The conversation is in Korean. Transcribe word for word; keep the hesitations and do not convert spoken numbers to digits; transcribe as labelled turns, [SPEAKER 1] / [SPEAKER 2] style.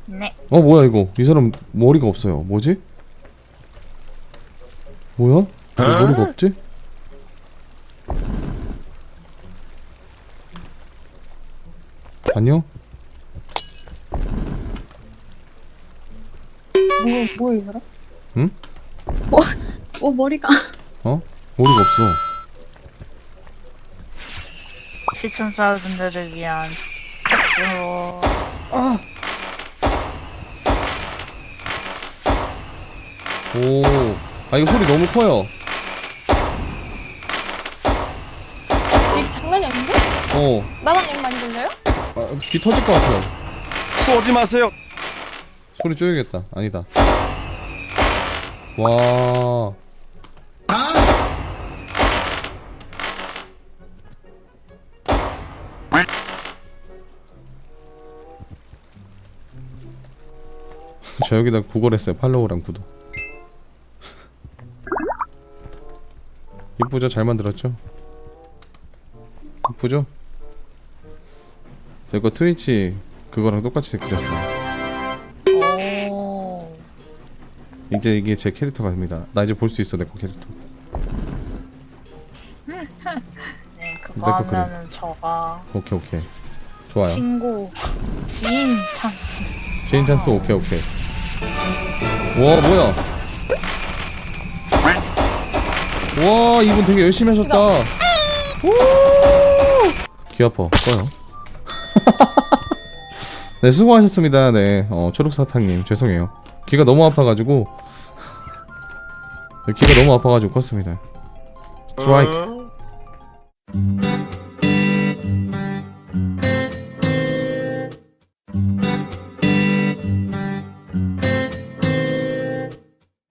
[SPEAKER 1] 네.
[SPEAKER 2] 어 뭐야 이거 이 사람 머리가 없어요. 뭐지? 뭐야? 왜 머리가 없지? 안녕?
[SPEAKER 3] 뭐, 뭐야, 이 사람?
[SPEAKER 2] 응?
[SPEAKER 3] 뭐, 어, 머리가.
[SPEAKER 2] 어? 머리가 없어.
[SPEAKER 1] 시청자분들을 위한 어...
[SPEAKER 2] 아! 오, 아 이거 소리 너무 커요.
[SPEAKER 3] 이게 장난이 아닌데?
[SPEAKER 2] 어,
[SPEAKER 3] 나만 너무 많이 들려요?
[SPEAKER 2] 아, 귀 터질 것 같아요.
[SPEAKER 4] 쏘지 마세요.
[SPEAKER 2] 소리 줄여야겠다. 아니다. 와. 저 여기다 구걸했어요. 팔로우랑 구독. 이쁘죠? 잘 만들었죠? 이쁘죠? 저 이거 트위치 그거랑 똑같이 그렸어요.
[SPEAKER 1] 오...
[SPEAKER 2] 이제 이게 제 캐릭터가 됩니다. 나 이제 볼 수 있어 내 거 캐릭터.
[SPEAKER 1] 네, 그거
[SPEAKER 2] 내거 그래.
[SPEAKER 1] 하면은 저가
[SPEAKER 2] 오케이 오케이. 좋아요.
[SPEAKER 1] 친구, 지인 참.
[SPEAKER 2] 체인 찬스 오케이 오케이. 와 뭐야? 와 이분 되게 열심히 하셨다. 오! 귀 아파. 꺼요. 네 수고하셨습니다. 네 어, 초록사탕님 죄송해요. 귀가 너무 아파가지고 귀가 너무 아파가지고 껐습니다. 스트라이크.